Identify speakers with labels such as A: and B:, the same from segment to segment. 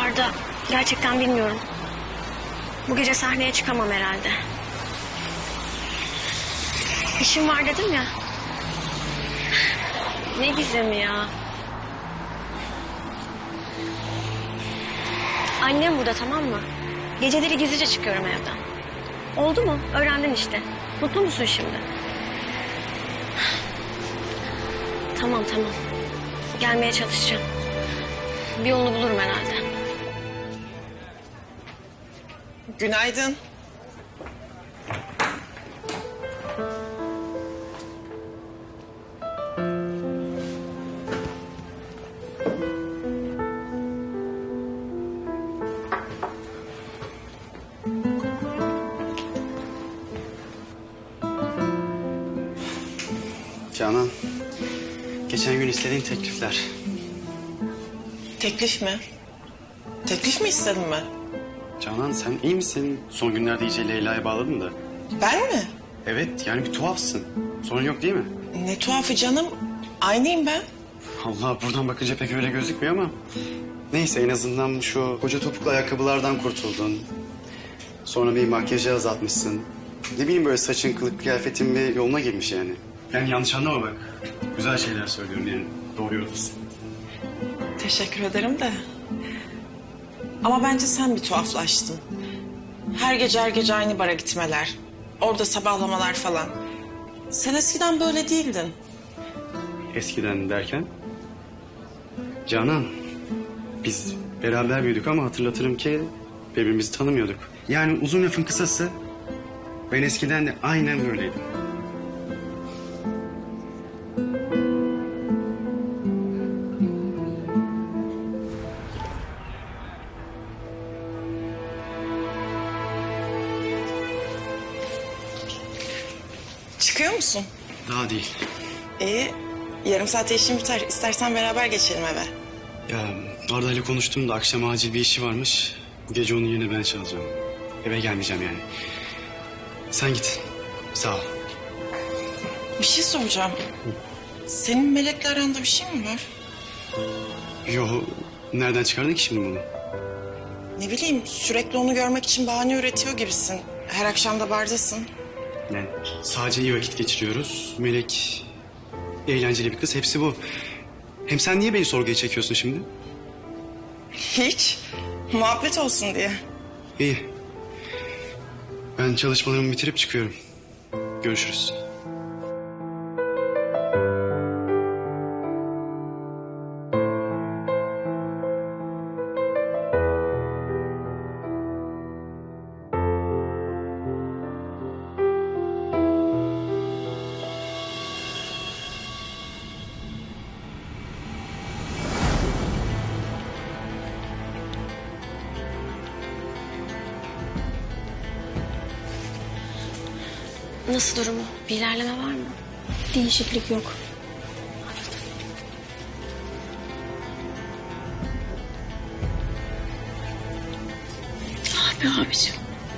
A: Arda, gerçekten bilmiyorum. Bu gece sahneye çıkamam herhalde. İşim var dedim ya. Ne gizemi ya. Annem burada, tamam mı? Geceleri gizlice çıkıyorum evden. Oldu mu? Öğrendin işte. Mutlu musun şimdi? Tamam. Gelmeye çalışacağım. Bir yolunu bulurum herhalde.
B: Günaydın.
C: Canan, geçen gün istediğin teklifler.
B: Teklif mi? Teklif mi istedin ben?
C: Canan sen iyi misin? Son günlerde iyice Leyla'ya bağladın da.
B: Ben mi?
C: Evet, yani bir tuhafsın. Sorun yok değil mi?
B: Ne tuhafı canım. Aynıyım ben.
C: Allah, buradan bakınca pek öyle gözükmüyor ama... Neyse, en azından şu koca topuklu ayakkabılardan kurtuldun. Sonra bir makyajı azaltmışsın. Ne bileyim, böyle saçın, kılık kıyafetin bir yoluna girmiş yani. Yani yanlış anlama bak. Güzel şeyler söylüyorum yani. Doğru yoldasın.
B: Teşekkür ederim de. Ama bence sen bir tuhaflaştın. Her gece aynı bara gitmeler. Orada sabahlamalar falan. Sen eskiden böyle değildin.
C: Eskiden derken? Canan, biz beraber büyüdük ama hatırlatırım ki birbirimizi tanımıyorduk. Yani uzun lafın kısası, ben eskiden de aynen böyleydim.
B: Çıkıyor musun?
C: Daha değil.
B: İyi. Yarım saate işim biter. İstersen beraber geçelim eve.
C: Ya Arda ile konuştum da akşam acil bir işi varmış. Bu gece onun yerine ben çalacağım. Eve gelmeyeceğim yani. Sen git. Sağ ol.
B: Bir şey soracağım. Senin Melek'le aranda bir şey mi var?
C: Yo, nereden çıkardın ki şimdi bunu?
B: Ne bileyim, sürekli onu görmek için bahane üretiyor gibisin. Her akşam da bardasın.
C: Yani sadece iyi vakit geçiriyoruz. Melek eğlenceli bir kız, hepsi bu. Hem sen niye beni sorguya çekiyorsun şimdi?
B: Hiç. Muhabbet olsun diye.
C: İyi. Ben çalışmalarımı bitirip çıkıyorum. Görüşürüz.
A: Nasıl durumu? Bir ilerleme var mı?
D: Değişiklik yok.
A: Abi abicim.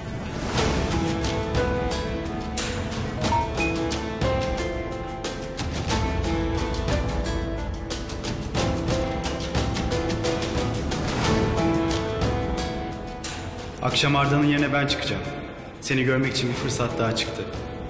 C: Akşam Arda'nın yerine ben çıkacağım. Seni görmek için bir fırsat daha çıktı.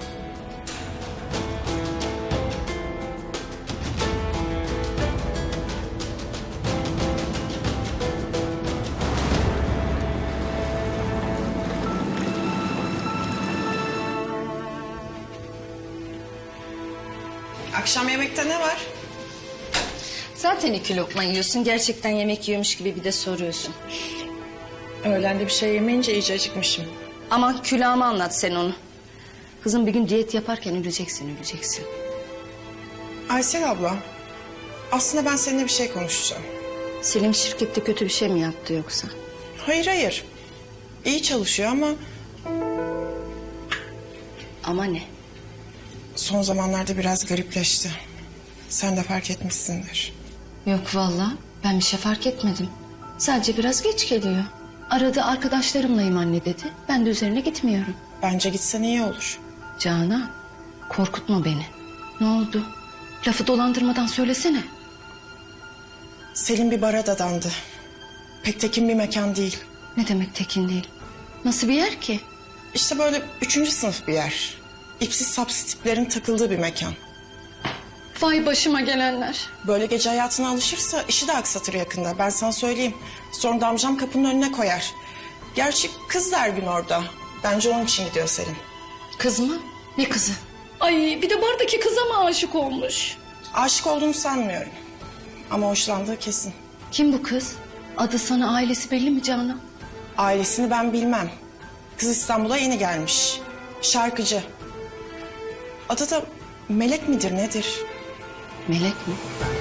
B: Akşam yemekte ne var?
D: Zaten 2 lokma yiyorsun. Gerçekten yemek yiyormuş gibi bir de soruyorsun.
B: Öğlende bir şey yemeyince iyice acıkmışım.
D: Aman külahıma anlat sen onu. Kızım bir gün diyet yaparken öleceksin.
B: Aysel abla, aslında ben seninle bir şey konuşacağım.
D: Selim şirkette kötü bir şey mi yaptı yoksa?
B: Hayır. İyi çalışıyor ama
D: Ama ne?
B: son zamanlarda biraz garipleşti. Sen de fark etmişsindir.
D: Yok vallahi ben bir şey fark etmedim. Sadece biraz geç geliyor. Arada arkadaşlarımlayım anne dedi. Ben de üzerine gitmiyorum.
B: Bence gitsen iyi olur.
D: Canan korkutma beni. Ne oldu? Lafı dolandırmadan söylesene.
B: Selim bir bara dadandı. pek tekin bir mekan değil.
D: Ne demek tekin değil? Nasıl bir yer ki?
B: İşte böyle 3. sınıf bir yer. İpsiz sapsız tiplerin takıldığı bir mekan.
D: Vay başıma gelenler.
B: Böyle gece hayatına alışırsa işi de aksatır yakında. Ben sana söyleyeyim. Sonra da amcam kapının önüne koyar. Gerçi kız da her gün orada. Bence onun için gidiyor Selin.
D: Kız mı? Ne kızı? Ay bir de bardaki kıza mı aşık olmuş?
B: Aşık olduğunu sanmıyorum. Ama hoşlandığı kesin.
D: Kim bu kız? Adı sana ailesi belli mi Canan?
B: Ailesini ben bilmem. Kız İstanbul'a yeni gelmiş. Şarkıcı. Adı da Melek midir nedir?
D: Melek mi?